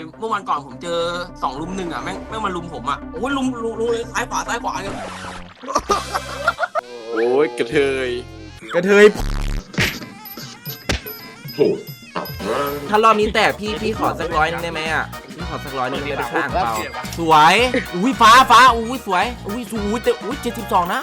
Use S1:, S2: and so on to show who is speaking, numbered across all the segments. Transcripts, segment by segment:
S1: เมื่อวันก่อนผมเจอ2 รุม 1อ่ะแม่งมารุมผมอ่ะโอ้ยลุมเลยซ้ายขวาเนี่ย
S2: โอ้ยกระเทย
S3: ถ้ารอบนี้แต่พี่ขอสัก100 นึงได้ไหมอ่ะพี่ขอสัก100 นึงได้ไปข้างเปล่าสวยอุ้ยฟ้าอุ้ยสวยอุ้ย72นะ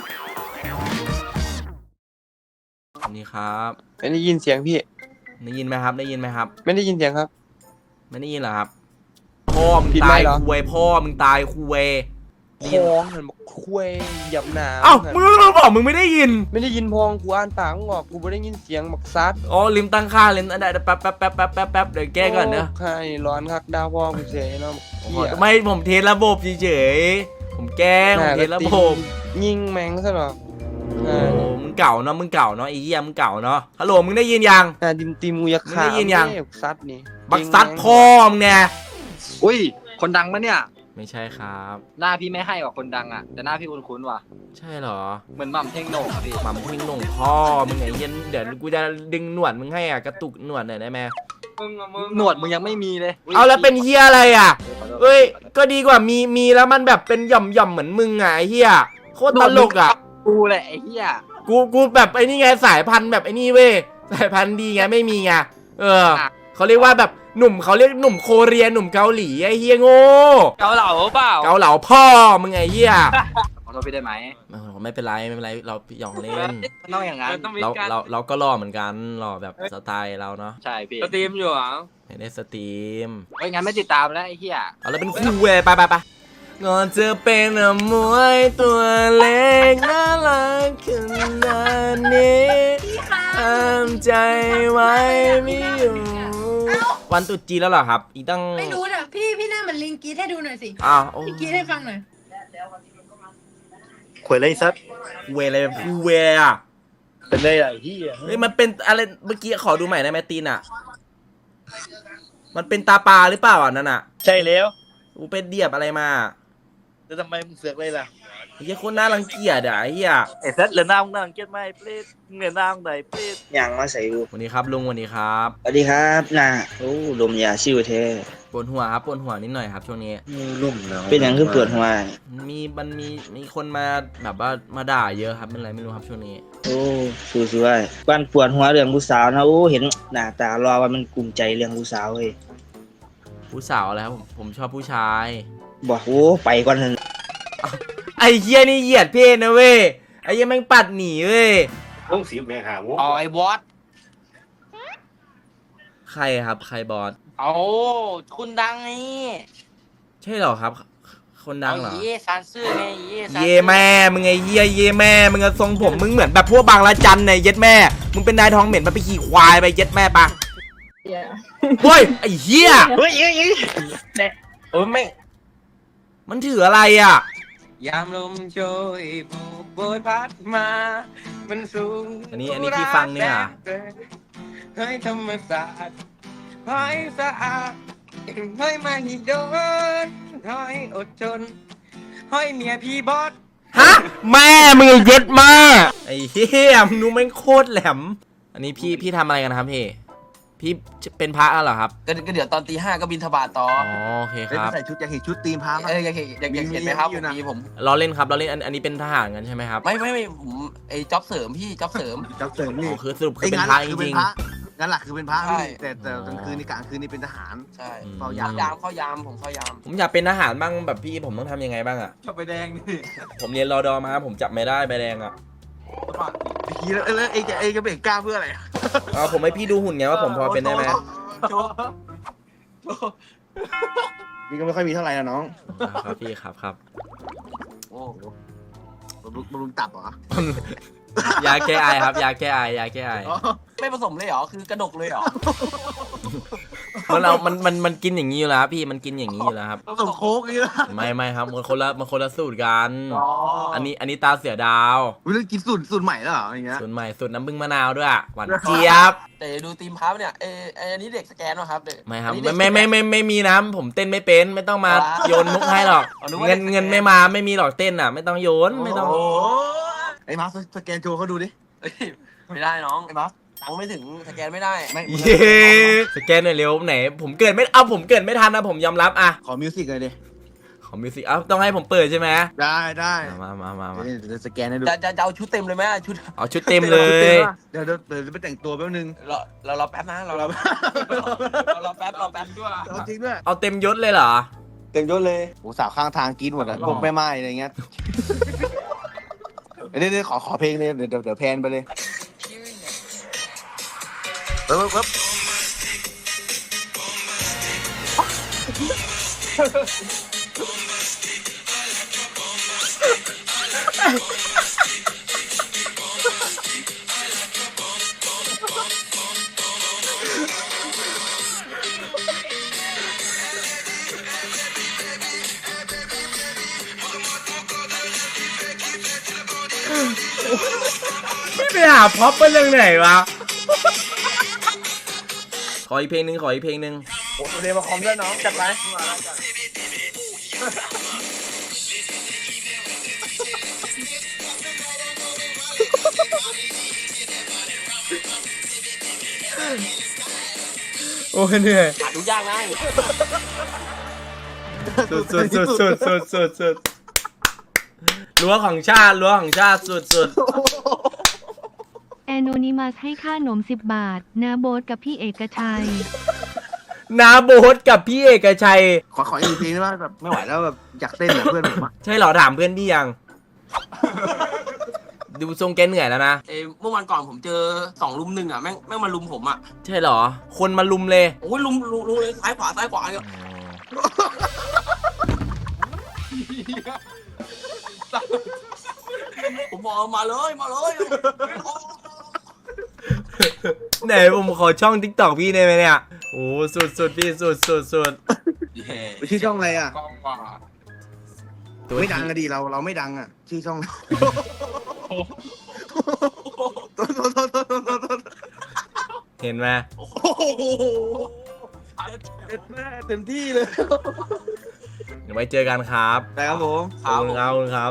S3: นี่ครับ
S4: ไม่ได้ยินเสียงพี่
S3: ได้ยินไหมครับไม่ได้ยินครับ
S4: ไม่ได้ยินเสียงครับ
S3: ไม่ได้ยินเหรอครับพ่อมึง
S4: ผิดไหม
S3: ตาย
S4: เหรอ
S3: คุยพ่อมึงตายคุย
S4: พองหันมาคุยหยับหนา
S3: เอ้ามึงบอกมึงไม่ได้ยิน
S4: ไม่ได้ยินพองกูอ่านปากมึงออกกูไม่ได้ยินเสียงบักซัด
S3: อ๋อลืมตั้งค่าลืมอันใดแป๊บเดี๋ยวแก้ก่อนเนอะ
S4: ใช่ร้อนคักดาวพองกูเสียเนาะเหี้ย
S3: ไม่ผมเทสระบบเฉยๆผมแกล้งผมเทสระบบ
S4: ยิงแมงซะหรอ
S3: โอ้มึงเก่าเนาะไอ้เหี้ยมึงเก่าเนาะฮัลโหลมึงได้ยินยัง
S4: ติมกูอยากขา
S3: ไม่ได้ยินยัง
S4: บักซัดนี่
S3: บักซัดพ่อมึงเนี่ย
S5: อุ้ยคนดังปะเนี่ย
S3: ไม่ใช่ครับ
S5: หน้าพี่ไม่ให้ว่ะคนดังอ่ะแต่หน้าพี่คุ้นๆว่ะ
S3: ใช่เหรอ
S5: เหมือนหม่ำเท่งโหน่งอะพี่
S3: หม่ำเพ่งหน่งพ่อมึงไอ้เหี้ยเดี๋ยวกูจะดึงหนวดมึงให้อ่ะกระตุกหนวดหน่อยได้ไหม
S5: หนวดมึงยังไม่มีเลย
S3: เอาแล้วเป็นเหี้ยอะไรอ่ะเอ้ยก็ดีกว่ามีแล้วมันแบบเป็นหย่อมเหมือนมึงอ่ะไอ้เหี้ยโคตรตลกอ่ะ
S5: กูแหละไอ้เหี้ย
S3: กูแบบไอ้นี่ไงสายพันธุ์แบบไอ้นี่เว้ยสายพันธุ์ดีไงไม่มีไงเขาเรียกว่าแบบหนุ่มเขาเรียกหนุ่มโคเรียหนุ่มเกาหลีไอ้เฮียโง่
S5: เกาเหลาเปล่า
S3: เกาเหลาพ่อมึงไอ้เฮีย
S5: ขอโทษพี่ได้ไหม
S3: ไม่เป็นไรเราหยอกเล่น
S5: มันต้องอย่างนั้น
S3: เราก็หล่อเหมือนกันหล่อแบบสไตล์เราเนาะ
S5: ใช่พี่
S1: สตรีมอยู่อ่ะ
S3: ไม่ได้สตรีม
S5: เฮ้ยงั้นไม่ติดตามแล้วไอ้เหี้ย
S3: เอาแล้วเป็นคู่เว้ยไปก่อนจะเป็นมวยตัวเล็กน่ารักขนาดนี้ห้ามใจไว้ไม่อยู่วันตรุษจีนแล้วเหรอครับ อีกตั้ง
S6: ไม่รู้น่ะพี่หน้าเหมือนลิงกรีดให้ดูหน่อยสิ
S3: อ้าวโอ้
S6: ลิงกรีดให้ฟังหน่อย
S7: ขวยอะไรซัด
S3: เวอะไรแบบคูเวอะ
S7: เป็นไรอ่ะที่
S3: เฮ้ยมันเป็นอะไรเมื่อกี้ขอดูใหม่ได้ไหมตีนอ่ะ มันเป็นตาปลาหรือเปล่าอ่ะนั่นอ่ะ
S7: ใช่แล้ว
S3: กูเป็นเดียบอะไรมา
S7: แล้วทำไมมึงเสือกเลยล่ะ
S3: ไอ้เหี้ยโคตรน่ารังเกียจอ่ะไอ้เหี้ย
S7: ไอ้ซัดเหลือหน้ามึงน่ารังเกียจไหมเปรตเหลือหน้ามึงไหนเปรต
S8: อย่างมาใส่กู
S3: วันนี้ครับลุงวันนี้ครับ
S8: สวัสดีครับน่ะโอ้ลมยาชิวเท
S3: ปวดหัวครับปวดหัวนิดหน่อยครับช่วงนี้
S8: ลุ่มแล้วเป็นอย่างคือปวดหัว
S3: มีคนมาแบบว่ามาด่าเยอะครับเป็นไรไม่รู้ครับช่วงนี้
S8: โอ้สวยๆวันปวดหัวเรื่องผู้สาวนะโอ้เห็นหน้าตารอว่ามันกลุ่มใจเรื่องผู้สาวเฮ้ย
S3: ผู้สาวอะไรครับผมชอบผู้ชาย
S8: บอกโอ้ไปก่อนเถอะ
S3: ไอ้เหี้ยนี่เหยียดเพศนะเว้ยไอ้เหี้ยแม่งปัดหนีเว้ย
S7: วงสีแม่หาวง
S5: อ๋อไอ้วอต
S3: ใครครับใครบอส
S5: เอาคุณดังไง
S3: ใช่เหรอครับ คนดังเหรอ
S5: เย่ซานซื่อไงซานซื่อ
S3: เย่แม่มึงไอ้เหี้ยเย่แม่มึงอะทรงผมมึงเหมือนแบบพวกบางละจันเนี่ยเย็ดแม่มึงเป็นนายทองเหม็นมาไปขี่ควายไปเย็ดแม่ปะเฮ้ยไอ้เหี้ย
S7: เฮ้ย
S5: โอ้ยไม่
S3: มันถืออะไรอ่ะ
S5: ยามลมโชยโบยพัดมามันสูง
S3: อันนี้พี่ฟังเนี่ย
S5: เฮ้ยธรรมศาสตร์เฮ้ยสะอาดเฮ้ยมาหิโดนเฮ้ยอดทนเฮ้ยเมียพี่บอส
S3: ฮะแม่มึงเย็ดมาไอ้เหี้ยมึงดูแม่งโคตรแหลมอันนี้พี่ทำอะไรกันครับพี่เป็นพระแล้วเหรอครับ
S1: ก็เดี๋ยวตอนตี 5ก็บินทบาทต่อ
S3: อ๋อโอเคครับ
S7: ใส่ชุดอยากเห็นชุดตีมพา
S1: อยากเห็นไหมครับผม
S3: เราเล่นครับเราเล่นอันนี้เป็นทหารกันใช่ไหมครับ
S1: ไม่ผมไอ้จ็อบเสริมพี่จ็อบเสริม
S7: จับเสริม
S3: อ๋
S7: นี่
S3: อคือสรุปคือเป็นพระจริง
S7: งานหลักคือเป็นพระ
S1: ใช่
S7: แต่กลางคืนนี่กลางคืนนี่เป็นทหาร
S1: ใช่
S3: อืม
S7: เฝ้ายาม
S1: เข้ายามผมเข้ายาม
S3: ผมอยากเป็นทหารบ้างแบบพี่ผมต้องทำยังไงบ้างอ่ะ
S5: ชอบไปแดงนี่
S3: ผมเรียนรอดอมาผมจับไม่ได้ใบแดงอ่ะ
S7: ไอ้กี้แล้วเอ้จะเบ่งกล้าเพื่ออะไร
S3: เอาผมให้พี่ดูหุ่นไงว่าผมพอเป็นได้ไหม
S5: โชว์
S7: นี่ก็ไม่ค่อยมีเท่าไหร่นะน้อง
S3: ครับพี่ครับ
S7: โอ้บำรุงตับเหรอ
S3: ยาแก้ไอครับยาแก้ไอ
S1: ไม่ผสมเลยเหรอคือกระดกเลยเหรอ
S3: มันกินอย่างนี้อยู่แล้วพี่มันกินอย่างนี้อยู่แล้วครับ
S7: ส่งโค้กนี่นะ
S3: ไม่ครับมันคนละสูตรกัน อันนี้ตาเสือดาว
S7: วิลกินสูตรใหม่แล้วเหรออย่างเงี้ย
S3: สูตรใหม่สูตรน้ำผึ้งมะนาวด้วยหวานเจี๊ยบ
S1: แต่ดูทีมพับเนี่ยอันนี้เด็กสแกนป่ะครับเด็ก
S3: ไม่ครับ
S1: อันนี้เด็ก
S3: ไม่มีนะผมเต้นไม่เป็นไม่ต้องมาโยนมุกให้หรอก
S1: อ๋อนึกว่า
S3: เงินไม่มาไม่มีหรอกเต้นอ่ะไม่ต้องโยนไม่ต้อง
S7: โอ้ไอ้มาร์คสแกนโจเขาดูดิ
S1: เอ้ยไม่ได้น้องไอ้บัสตังค์ไม่ถึงสแกนไม่ได้
S3: เย้สแกนหน่อยเร็วไหนผมเกิดไม่ผมเกิดไม่ทันนะผมยอมรับอะ
S7: ขอมิวสิกเลยดิ
S3: ของมิวสิกต้องให้ผมเปิดใช่ไหม
S7: ได้
S3: มา
S7: เดี๋ยวสแกนให้ดู
S1: จะเอาชุดเต็มเลยไหมชุด
S3: เอาชุดเต็มเลย
S7: เดี๋ยวไปแต่งตัวแป๊บนึง
S1: เราแป๊บนะเราแป๊บด้วย
S7: เอาจริงด้วย
S3: เอาเต็มยศเลยเหรอ
S1: เต็มยศเลย
S7: โอ้สาวข้างทางกินหมดอะพวกแม่ไม้อะไรเงี้ยเดี๋ยวขอเพลงเลยเดี๋ยวแพนไปเลยปึ๊บ
S3: ไม่ไปหาพ็อปเป็นเรื่องไหนวะขออีกเพลงหนึ่งขออีกเพลงหนึ่ง
S1: โอ้เรียนมาคอมด้วยน้องจัดไป
S3: โอ้เหนื่อย
S1: หาดูยากนะ
S3: สุดรั้วของชาติสุด
S2: แอนโนนิมัสให้ค่าหนม10 บาทนาโบ๊ทกับพี่เอกชัย
S3: นาโบ๊ทกับพี่เอกชัย
S7: ขออีกเพลงได้ไหมแบบไม่ไหวแล้วแบบอยากเต้นแบบเพื่อนผมอะ
S3: ใช่เหรอถามเพื่อนพี่ยัง ดูทรงแกเหนื่อยแล้วนะ
S1: เมื่อวันก่อนผมเจอ2 ลุม 1อ่ะแม่งมาลุมผมอ่ะ
S3: ใช่เหรอ คนมาลุมเลย
S1: โอ้ยลุมเลยซ้ายขวาเนี่ยผมบอกมาเลย
S3: ไหนผมขอช่อง TikTok พี่ได้ไหมเนี่ย โอ้สุดพี่สุด
S7: ชื่อช่องอะไรอะ
S3: ตัว
S7: ไม่ดังอะดิเราไม่ดังอะชื่อช่อง
S3: เห็นไหม
S7: เต็มที่เลย
S3: เดี๋ยวไว้เจอกันครับ
S7: ได้ครับผม
S3: ขอบคุณครับ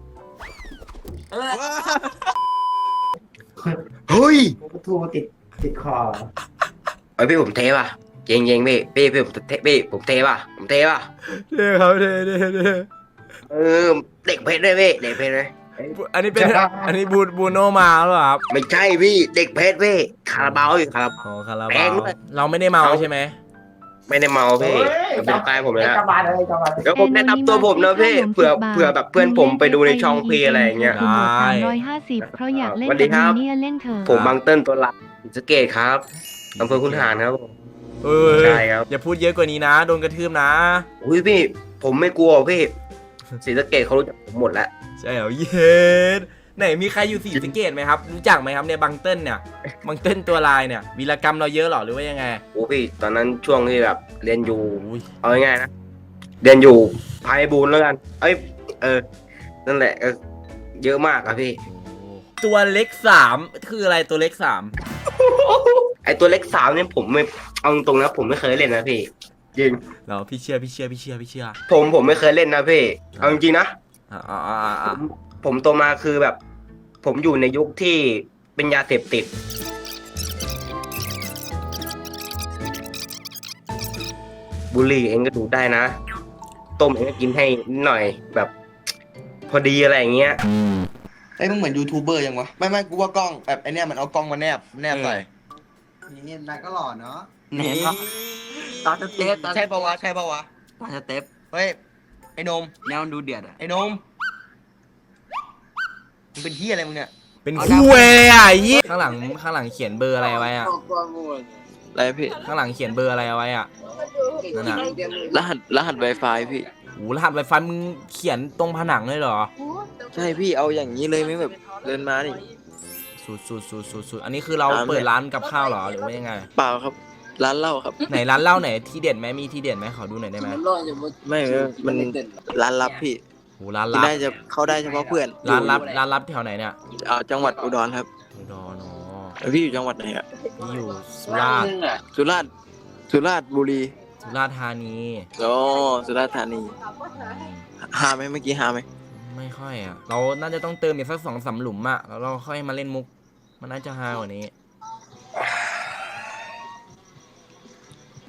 S7: เฮ้ย
S9: ทูติดคอ
S5: เฮ้ยพี่ผมเทป่ะเจงพี่ผมเทป่ะ
S3: เท่ครับเท่
S5: เออเด็กเพชรเลยพี่เด็กเพชรเลย
S3: อันนี้บูโนมาหรือเปล่าครับ
S5: ไม่ใช่พี่เด็กเพชรพี่คาราบาวอยู่คาราบาว
S3: อ๋อคารา
S5: แพ
S3: บาง ว
S5: ด้วย
S3: เราไม่ได้เมาใช่ไหม
S5: ไม่ได้เมาพี่มันเป็นใต้ผมเลยนะ
S9: กบาลเลยกบาล
S5: เดี๋ยวผมแนะนำตัวผมนะพี่เผื่อแบบเพื่อนผมไปดูในช่องพี่อะไรอย่างเงี้ย
S2: 350เพราะอยากเล่น
S5: สวัสดีครับ
S2: เนี่ยเล่นเถอะ
S5: ผมบางเติ้ลตัวหลักศรีสะเกษครับอำเภอคุนหารครับผม
S3: เอ้ย
S5: ใช่ครับ
S3: อย่าพูดเยอะกว่านี้นะโดนกระทืบนะ
S5: อุ้ยพี่ผมไม่กลัวพี่ศรีสะเกษเขารู้จักผมหมดแล้ว
S3: ใช่เหรอเย็นไหนมีใครอยู่ศรีสะเกษไหมครับรู้จักไหมครับเนี่ยบังเติ้ลเนี่ยบังเติ้ลตัวลายเนี่ยวีรกรรมเราเยอะเหรอหรือว่ายังไง
S5: โอ้พี่ตอนนั้นช่วงที่แบบเรียนอยู่
S3: อุ้ย
S5: เอาง่ายๆนะเรียนอยู่ไพบูลย์แล้วกันนั่นแหละเยอะมากอะพี่
S3: ตัวเล็ก3คืออะไรตัวเล็ก3
S5: ไอตัวเล็กสาวเนี่ยผมไม่เอาตรงๆนะผมไม่เคยเล่นนะพี่จริง
S3: เราพี่เชื่อ
S5: ผมไม่เคยเล่นนะพี่เอาจริงๆนะ ผมโตมาคือแบบ ผมอยู่ในยุคที่เป็นยาเสพติดบุหรี่เองก็ดูดได้นะต้มเองก็กินให้นิดหน่อยแบบ พอดีอะไรอย่างเงี้ย
S10: ไอ้มึงเหมือนยูทูบเบอร์ยังวะไม่กูว่ากล้องแบบไอเนี้ยมันเอากล้องมาแนบใส่
S9: นี่นายก็หล่อเนาะ
S1: นี่ตาสเต็ป
S10: ใช่ปะวะ
S1: ตาสเต็ป
S10: เฮ้ยไอ้นม
S1: แนวดูเดือดอ่ะ
S10: ไอ้นมมึงเป็นที่อะไรมึงเนี่ย
S3: เป็นคู่เว้ยอ่ะยี่ข้างหลังเขียนเบอร์อะไรไว้อ่ะ
S4: อะไรพี่
S3: ข้างหลังเขียนเบอร์อะไรเอาไว้อ่ะนั่นน่ะ
S4: รหัส Wi-Fi พี่
S3: โอ้รหัสไวไฟมึงเขียนตรงผนังเลยเหรอ
S4: ใช่พี่เอาอย่างนี้เลยไม่แบบเดินมานี่
S3: สุดอันนี้คือเราเปิดร้านกับข้าวเหรอหรือว่ายังไง
S4: เปล่าครับ ร้านเหล้าครับ
S3: ไหนร้านเหล้าไหนที่เด็ดไหมมีที่เด็ดไหมขอดูหน่อยได้ไหม
S4: ไม่มันร้านลับพี่
S3: โอ้ร้าน
S4: ที่
S3: ลับ
S4: ได้จะเข้าได้เฉพาะเพื่อน
S3: ร้านลับแถวไหนเนี่ย
S4: จังหวัดอุดรครับ
S3: อุดรอ๋อ
S4: แล้วพี่อยู่จังหวัดไหนอ่ะ
S3: นี่อยู่สุราษฎร์
S4: สุราษฎร์บุรี
S3: สุราษฎร์ธานี
S4: โอ้สุราษฎร์ธานี
S3: อืม
S4: หาไหมเมื่อกี้หาไหม
S3: ไม่ค่อยอ่ะเราน่าจะต้องเติมอีกสัก2-3 หลุมอ่ะแล้วเราค่อยมาเล่นมุกมันน่าจะฮากว่านี้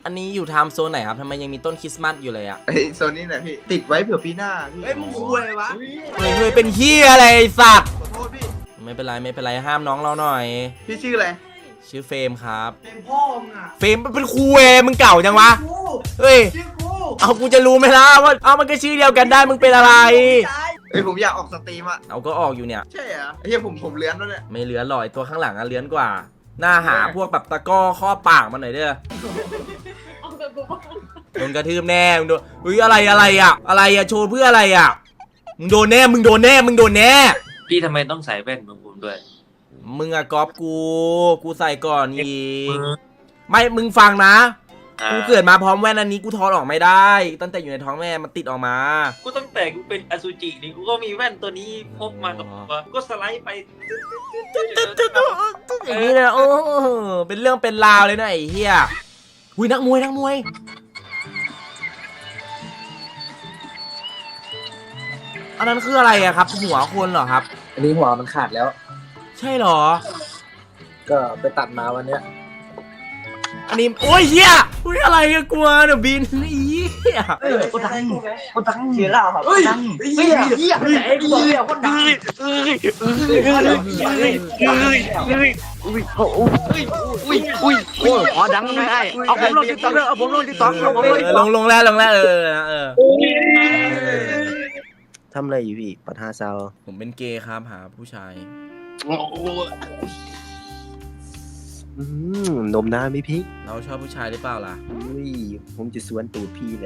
S3: อันนี้อยู่ไทม์โซนไหนครับทำไมยังมีต้นคริสต์มาสอยู่เลยอะ
S9: ไอ้โซนนี้แหละพี่ ติดไว้เผื่อปีหน้าพี่
S7: เฮ้ยมึงคุยวะ
S3: เฮ้ยเป็นเฮียอะไรไอ้สัตว์
S9: ขอโทษพี่
S3: ไม่เป็นไรห้ามน้องเราหน่อย
S9: พี่ชื่ออะไร
S3: ชื่อเฟรมครับ
S7: เป็นพ่อมึงอ่ะ
S3: เฟรมเป็นครูมึงเก่าจังวะ
S7: กู
S3: เฮ้ย
S7: ชื่อกู
S3: เอากูจะรู้ไหมล่ะว่าเอามันก็ชื่อเดียวกันได้มึงเป็นอะไร
S9: เอ้ยผมอยากออกสตรีมอ่ะ
S3: เอาก็ออกอยู่เนี่ย
S9: ใช่เหรอไอ้เหี้ยผมเลื้อนแล้วเนี่ย
S3: ไม่เหลือหรอยตัวข้างหลังอะเลื้อนกว่า หน้าหาพวกแบบตะก้อข้อปากมาหน่อยเด้อโดนกระทืบแน่มึงโดนอุ้ยอะไรอะโชว์เพื่ออะไรอะมึงโดนแน่
S11: พี่ทำไมต้องใส่แว่นของผมด้วย
S3: มึงอะก๊อปกูใส่ก่อนอีกไม่มึงฟังนะกูเกิดมาพร้อมแว่นอันนี้กูถอดออกไม่ได้ ตั้งแต่อยู่ในท้องแม่มันติดออกมา
S11: กูตั้งแต่กูเป็นอสุจินี่กูก็มีแว่นตัวนี้พกมากับตัวก็สไลด์ไป
S3: อย่างนี้เลยนะโอ้เป็นเรื่องเป็นราวเลยนะไอ้เหี้ยอุ้ยนักมวยอันนั้นคืออะไรอะครับหัวคนเหรอครับ
S5: อันนี้หัวมันขาดแล้ว
S3: ใช่เหรอ
S5: ก็ไปตัดมาวันเนี้ย
S3: อันนี้โอ้ยเหี้ยอุ้ยอะไรอะกลัวเดี๋ยวบินอีเหี้ย
S5: คนดังเสียแล้วครับดังเสียไอ้กูเสียคนดังอ๋อดังไงเอาผมลงติ๊กต็อกเอาผมลงติ๊กต็อก
S3: ลงแล้ว
S5: ทำอะไรอยู่พี่ปัญหาซาว
S3: ผมเป็นเกย์ครับหาผู้ชาย
S5: นมน้ำไหมพี่
S3: เราชอบผู้ชายหรือเปล่าล่ะ
S5: อุ้ยผมจะสวนตูดพี่เลย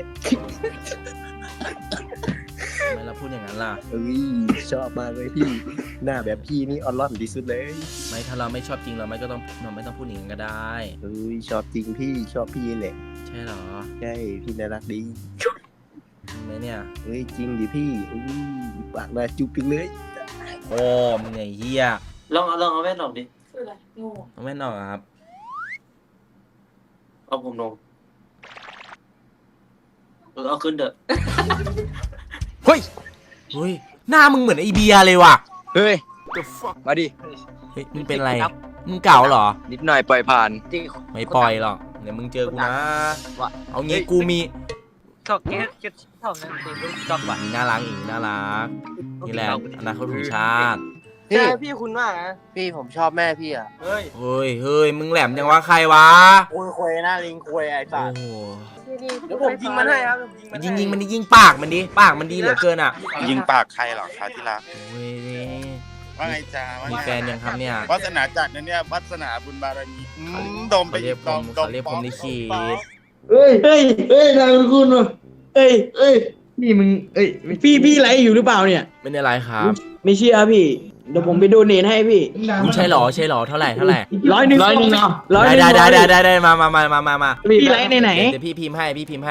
S3: ทำไมเราพูดอย่างนั้นล่ะ
S5: เอ้ยชอบมากเลยพี่ หน้าแบบพี่นี่ออนล่อนที่สุดเลย
S3: ไม่ถ้าเราไม่ชอบจริงเราไม่ต้องพูดอย่างนั้นก็ได้
S5: เอ้ยชอบจริงพี่ชอบพี่แหละ
S3: ใช่เหรอ
S5: ใช่พี่น่ารักดี
S3: จริงไหมเนี่ย
S5: เอ้ยจริงดิพี่อุ้ยปากน่าจุ๊บจังเลย
S3: โอ้มึงไงเฮีย
S11: ลองเอาแว่นออกดิ
S3: เอาแม่นออกอะครับ
S11: เอาผมลงเอาขึ้นเถอะ
S3: เฮ้ยหน้ามึงเหมือนไอเบียร์เลยว่ะ
S4: เฮ้ยมาดิ
S3: เฮ้ยมึงเป็นอะไรมึงเก่าเหรอ
S4: นิดหน่อยปล่อยผ่าน
S3: ไม่ปล่อยหรอกเดี๋ยวมึงเจอกูนะเอางี้กูมี
S11: ชอบแก๊สชอบนั่นคือชอบว่ะ
S3: น่ารักนี่แหละอนาคตของชาติ
S4: ใช่พี่คุณมากนะพี่ผมชอบแม่พี่อ่ะเฮ้ย
S3: เฮ้ยมึงแหลมจังวะใครวะ
S4: คุยหน้าลิงคุยไอ้สั
S3: โอ้
S4: ส
S3: โห
S4: เดี๋ยวผมยิงมันให้ครับ
S3: ยิงมันดิยิงปากมันดีเหลือเกินอ่ะ
S10: ยิงปากใครหรอคะที่รัก
S3: โอ้ย
S10: ว่าไงจ้า
S3: มีแฟนยังครับเนี่ย
S10: วาสนาจัดนะเนี่ย วาสนาบุญบารมีดมไป
S3: เขาเรียกผมลิขิต
S5: เฮ้ยนายคุณเอ้ยนี่มึงพี่ไลฟ์อยู่หรือเปล่าเนี่ย
S3: ไม่ได้ไรครับ
S5: ไม่เชื่อพี่เดี๋ยวผมไปโดเนทให้พี่
S3: ใช่หรอเท่าไหร่
S5: 100เนาะ
S3: ได้มา
S5: พี่ไลฟ์ไหน
S3: เดี๋ยวพี่พิมพ์ให้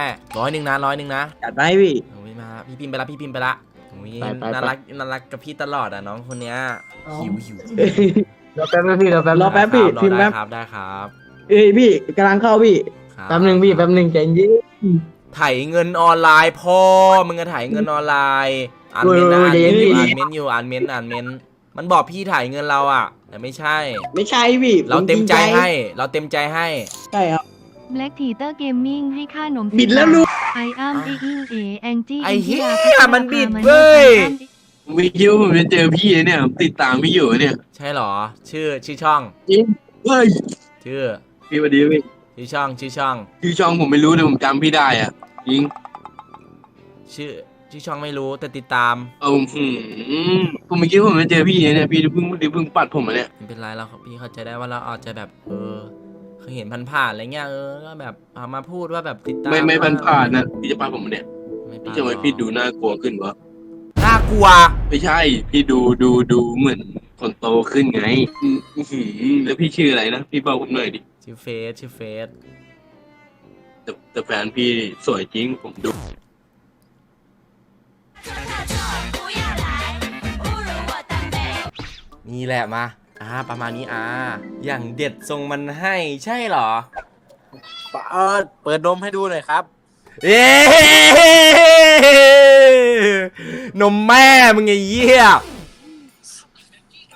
S3: 100นะ
S5: จัดไปพี่
S3: โอ้ยมาพี่พิมพ์ไปละโอ้ย
S5: ไป
S3: น่ารักกับพี่ตลอดอ่ะน้องคนเนี้ยหิว
S5: รอแป๊บพี่รอแป๊บพี่พิมพ์แป๊บ
S3: ได้ครับ
S5: เอ้ยพี่กำลังเข้าพี่
S3: ครับ
S5: แป๊บนึงใจเย็น
S3: ถ่ายเงินออนไลน์พ่อมึงก็ถ่ายเงินออนไลน์อ่านเมนต์อยู่อ่านเมนต์มันบอกพี่ถ่ายเงินเราอ่ะแต่ไม่ใช่
S5: พี่
S3: เราเต็มใจให้
S5: ใช่ครับ
S2: Black Theater Gaming ให้ค่าหนม
S5: บิดแล้วลูก
S2: ไออ้ามแองจี้
S3: ไอ้เหี้ยมันบิดเว้ย
S11: ไม่คิดว่าผมจะเจอพี่เนี่ยผมติดตามพี่อยู่เนี่ย
S3: ใช่หรอชื่อช่อง
S11: เฮ้ย
S3: ชื่อ
S11: พี่สวัสดีพี่
S3: ชื่อช่อง
S11: ชื่อช่องผมไม่รู้แต่ผมจำพี่ได้อ่ะจริง
S3: ชื่อช่องไม่รู้แต่ติดตาม
S11: ผมไม่คิดว่าผมจะเจอพี่เนี่ยพี่เพิ่งปัดผมมาเนี่ย
S3: ไม่เป็นไรเราพี่เข้าใจได้ว่าเราอาจจะแบบเคยเห็นผ่านๆอะไรเงี้ยก็แบบเอามาพูดว่าแบบติดตาม
S11: ไม่ผ่านนะพี่จะปัดผมมาเนี่ย
S3: ไม่
S11: พี่จะทำไมพี่ดูน่ากลัวขึ้นวะ
S3: น่ากลัว
S11: ไม่ใช่พี่ดูเหมือนคนโตขึ้นไงแล้วพี่ชื่ออะไรนะพี่บอกผมหน่อยดิ
S3: ชื่อเฟส
S11: แต่แฟนพี่สวยจริงผมดู
S3: นี่แหละมาประมาณนี้อย่างเด็ดทรงมันให้ใช่เหรอ
S4: เปิดนมให้ดูหน่อยครับ
S3: เอ๊นมแม่มึงไอ้เหี้ย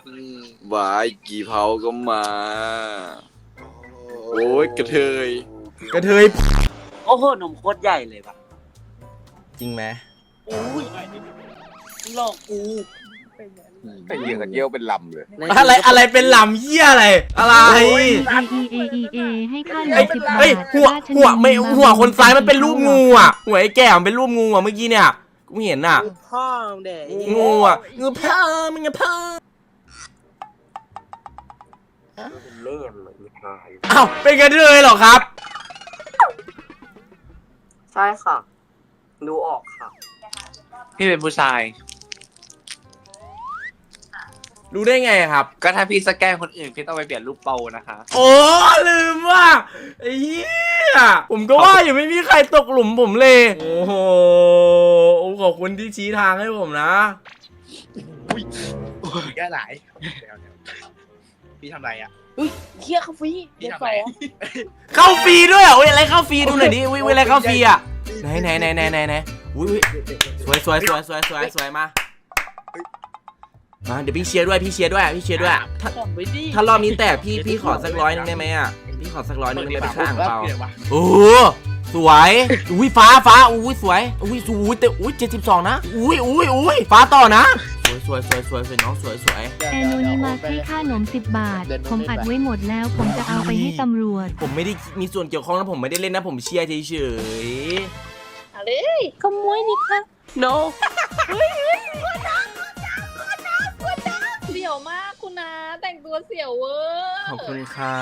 S10: วายกี่เผาก็มา โอ้ยกระเทย
S3: กระเทย
S7: โอ้โหนมโคตรใหญ่เลยว่ะ
S3: จริงไหม
S7: อุ้ยหลอกกู
S4: ไอ้เหี้ยตะเกียวเป็นลำเลย
S3: อะไรเป็นลำเหี้ยอะไร
S2: EA ให้ค่าหนม10 บาท
S3: เฮ้ยหัวคนซ้ายมันเป็นรูปงูอ่ะหัวไอ้แก่มันเป็นรูปงูอ่ะเมื่อกี้เนี่ยกูเห็นอ่ะ
S7: พ่อเด็ก
S3: งูอ่ะงูพ่อมึงไงพ่อ
S7: เล่นเลย
S3: อ้าวเป็นกระเทยเหรอครับ
S7: ใช่ค่ะดูออกค่ะ
S5: พี่เป็นผู้ชาย
S3: รู้ได้ไงครับ
S5: ก็ถ้าพี่สแกนคนอื่นพี่ต้องไปเปลี่ยนรูปโปรนะคะ
S3: โอ้ลืมว่าไอ้เหี้ยผมก็ว่าอยู่ไม่มีใครตกหลุมผมเลยโอ้โหขอบคุณที่ชี้ทางให้ผมนะ
S5: แก้หลายพี่ทำไรอ่ะ
S7: เคี้ยเขาฟรีเดี๋ยวสอง
S3: เข้าฟรีด้วยอ่ะอุ้ยอะไรเข้าฟรีดูหน่อยดิอุ้ยอะไรเข้าฟรีอ่ะไหนอุ้ยสวยมาเดี๋ยวพี่เชียร์ด้วยถ้ารอบนี้แตกพี่ขอสัก100นึงได้ไหมอ่ะพี่ขอสัก100นึงได้ไหมไปข้างเปล่าโอ้สวยอุ้ยฟ้าอุ้ยสวยอุ้ยแต่อุ้ย72นะอุ้ยฟ้าต่อนะสวยน้องสวย
S2: แอนโนนิมัสให้ค่าหนม10 บาท ผมอัดไว้หมดแล้วผมจะเอาไปให้ตำรวจ
S3: ผมไม่ได้มีส่วนเกี่ยวข้องนะผมไม่ได้เล่นนะผมเชียร์เฉย
S7: อะไรขโมยนี่ค่ะ no
S6: เสี่ยวมากคุณนะแต่งตัวเสี่ยวเวอร์
S3: ขอบคุณครับ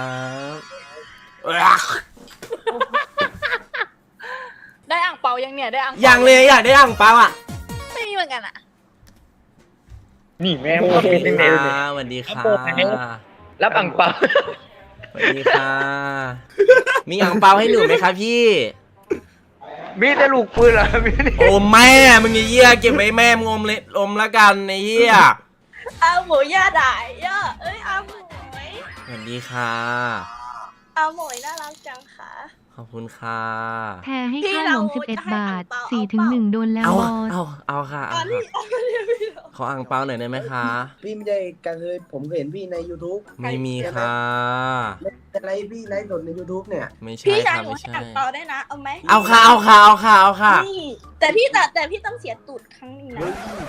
S6: ได้อ่างเปายังเนี่ยได้อ่าง
S3: อย่างเลยอยากได้อ่างเปาอ่ะ
S6: ไม่มีเหมือนกันอ่ะ
S5: นี่แม่
S3: สวัสดีค่ะ
S5: รับอ่างเปา
S3: สวัสดีค่ะมีอ่างเปาให้หนูไหมครับพี่
S5: มีแต่ลูกปืนเหรอมี
S3: โอ้แม่มึงไอ้เหี้ยเก็บไว้แม่มึงอมละกันไอ้เหี้ย
S6: อาหมูย่าด่ายย่าเอ้ยอาหมู
S3: สวัสดีค่ะ
S6: อาหมูน่ารักจังค่ะ
S3: ขอบคุณค่ะ
S2: แพรให้ค่าหนม11 บาท 4-1 โดนแล้วบอส
S3: เอาค่ะขออ่างเปาหน่อยได้ไหมคะ
S7: พี่ไม่ได้กันเลยผมเห็นพี่ใน YouTube
S3: ไม่มีค่ะ
S7: อะไรพี่ไลฟ์สดใน YouTube เนี่ย
S3: ไม่ใช่
S6: พี่ชาย
S3: ค่ะ
S6: หนู
S3: ไม่
S6: ให้
S3: ใช่
S6: อ่างเปาได้นะเอาไหม
S3: เอาค่ะ
S6: นี่แต่พี่ต้องเสียตูดครั้งนึงนะ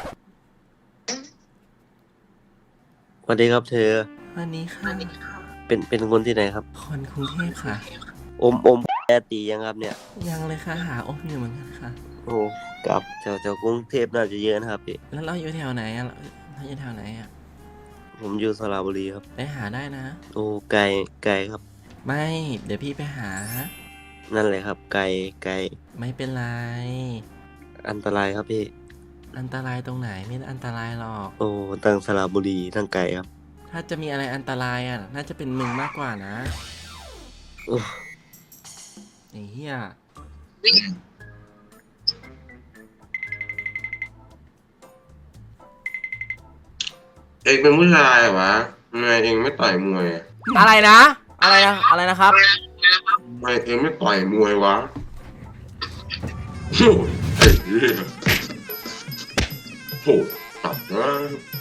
S5: สวัสดีครับเธอ
S3: วันนี้ค่ะ
S5: เป็นคนที่ไหนครับ
S3: คนกรุงเทพค่ะ
S5: อมแอตียังครับเนี่ย
S3: ยังเลยค่ะหาอมอยู่เหมือนกันค่ะ
S5: โอ้กับแถวกรุงเทพน่าจะเยอะนะครับพี่
S3: แล้วเราอยู่แถวไหนอ่ะเราอยู่แถวไหนอ่ะ
S5: ผมอยู่สระบุรีครับ
S3: ไปหาได้นะ
S5: โอ้ไกลครับ
S3: ไม่เดี๋ยวพี่ไปหา
S5: นั่นเลยครับไกล
S3: ไม่เป็นไร
S5: อันตรายครับพี่
S3: อันตรายตรงไหนไม่อันตรายหรอก
S5: โอ้ตั้งสระบุรีตั้งไกลครับ
S3: ถ้าจะมีอะไรอันตรายอ่ะน่าจะเป็นมึงมากกว่านะ
S5: โอ้
S3: ไอ้เหี้ย
S11: เองเป็นผู้ชายเหรอวะทำไมเองไม่ต่อยมวย
S3: อะไรนะครับ
S11: ทำไมเองไม่ต่อยมวยวะโอ้ไอ้เหี้ยโหตัดนะ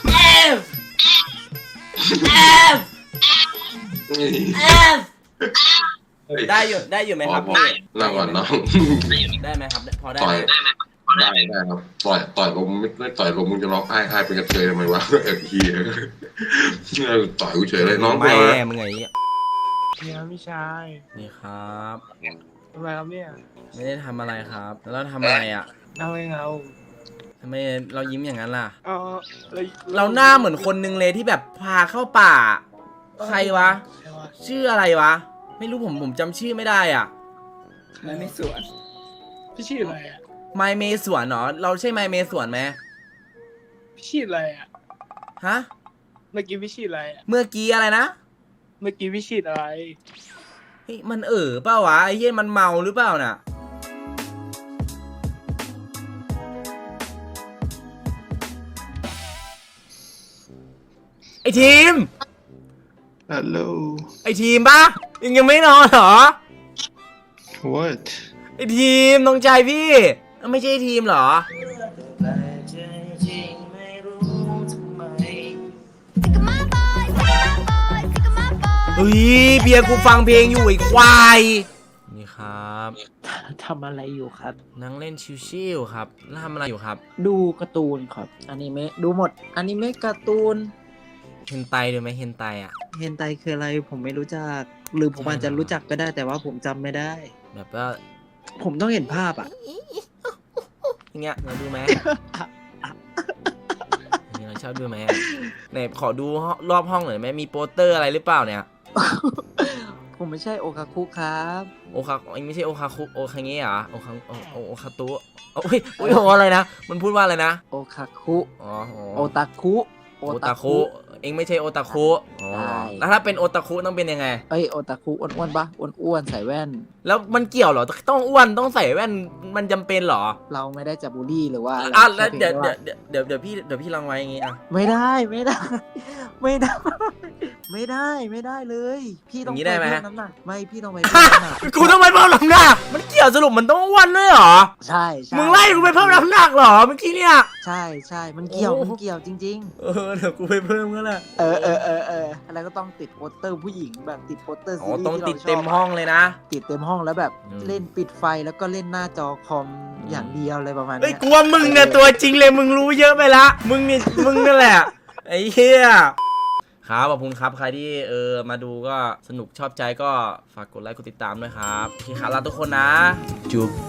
S3: ได้อยู่ไหมครับพี่
S11: นั่งก่อนน้อง
S3: ได้ไหมครับพอได้
S11: ต่
S3: ไห
S11: อ
S3: ม
S11: ยได้ครับต่อยลมไม่ต่อยลมมึงจะร้องไห้เป็นกระเทยทำไมวะเอ็กทีต่อยกูเฉยเลยน้อง
S3: แม่
S11: เรา
S3: มึงไงเหี้ย
S4: เนี่ยพี่ชาย
S3: นี่ครับ
S4: ทำไมครับเนี่ย
S3: ไม่ได้ทำอะไรครับ แล้วเราทำอะไรอ่ะ
S4: เอาเองเอา
S3: ทำไมเรายิ้มอย่างนั้นล่ะ
S4: เอา
S3: เราหน้าเหมือนคนนึงเลยที่แบบพาเข้าป่า ใครวะ ชื่ออะไรวะ ไม่รู้ผมจำชื่อไม่ได้อ่ะ
S4: ไม่สวนพี่ชื่ออะไรอ่ะ
S3: ไมเมสวนเหรอเราใช่ไมเมสวนไหม
S4: พี่ชื่ออะไรอ่ะ
S3: ฮะ
S4: เมื่อกี้พี่ชื่ออะไรอ่ะ
S3: เมื่อกี้อะไรนะ
S4: เมื่อกี้พี่ชื่ออะไร
S3: เฮ้ยมันเปล่าวะไอ้เหี้ยมันเมาหรือเปล่าน่ะไอทีม
S11: ฮัลโหล
S3: ไอทีมปะยังไม่นอนเหรอ
S11: what
S3: ไอทีมน้องใจพี่ไม่ใช่ทีมเหรอเฮ้ยเบียร์กูฟังเพลงอยู่ไอ้ควายนี่คครับ
S12: ทำอะไรอยู่ครับ
S3: นั่งเล่นชิวๆครับแล้วทำอะไรอยู่ครับ
S12: ดูการ์ตูนครับอนิเมะดูหมดอนิเมะการ์ตูน
S3: เฮนไตดูไหมเฮนไตอ่ะ
S12: เฮนไตคืออะไรผมไม่รู้จัก หรือผมอาจจะรู้จักก็ได้แต่ว่าผมจำไม่ได้
S3: แบบว่า
S12: ผมต้องเห็นภาพอ่ะ
S3: อย่างเงี้ยเราดูไหม อย่างเงี้ยเราชอบดูไหมอะไหนขอดูรอบห้องหน่อยไหมมีโปสเตอร์อะไรหรือเปล่าเนี่ย
S12: ผมไม่ใช่โอคาคุครับ
S3: โอคาไม่ใช่โอคาคุโอคาเงะเหรอโอคาตุโอ้ยโอ้ยอะไรนะมันพูดว่าอะไรนะ
S12: โอคาคุ
S3: อ๋อ
S12: โอตาคุ
S3: โอตาคุเองไม่ใช่โอตาคุอ๋อ
S12: ใช่
S3: แล้วถ้าเป็นโอตาคุต้องเป็นยังไง
S12: เอ้ยโอตาคุอ้วนๆปะอ้วนๆใส่แว่น
S3: แล้วมันเกี่ยวเหรอต้องอ้วนต้องใส่แว่นมันจำเป็นเหรอ
S12: เราไม่ได้จะบูลลี่หรือว่าอะไร
S3: อ่ะแล้ว
S12: ค่
S3: เดี๋ยว
S12: พีงแค่า
S3: เดี๋ยวพี่ลองไว้อย่างงี้อ่ะ
S12: ไม่ได้ ไม่ได้ ไม่ได้ ไม่ได้ไม่ได้เลย พี่ต้องไปเพิ่มน้ำหนักไม่พี่ต้องไปเพิ่มน้ำหนัก
S3: กูต้องไปเพิ่มน้ำหนักมันเกี่ยวสรุปมันต้องอ้วนด้วยเหรอ
S12: ใช่ใช่
S3: มึงไล่กูไปเพิ่มน้ำหนักเหรอเมื่อกี้เนี่ย
S12: ใช่ใช่มันเกี่ยว
S3: โอ้
S12: มันเกี่ยวจริง
S3: เออเดี๋ยวกูไปเพิ่มก็แหละ
S12: ๆ อะไรก็ต้องติดโปสเตอร์ผู้หญิงแบบติดโปสเตอร์
S3: อ๋
S12: ซี
S3: อ
S12: รีส์
S3: ต้อง
S12: ที่
S3: ติด
S12: ราชบ
S3: เต็มห้องเลยนะ
S12: ติดเต็มห้องแล้วแบบ
S3: อืม
S12: เล่นปิดไฟแล้วก็เล่นหน้าจอคอมอย่างเดียวอะไรประมาณ
S3: เอ้ย
S12: เนี้ย
S3: กูว่ามึงเนี่ยตัวจริงเลยมึงรู้เยอะไปละมึงนั่นแหละไอ้เหี้ยครับขอบคุณครับใครที่มาดูก็สนุกชอบใจก็ฝากกดไลค์กดติดตามด้วยครับโอเคครับลาทุกคนนะจุ๊บ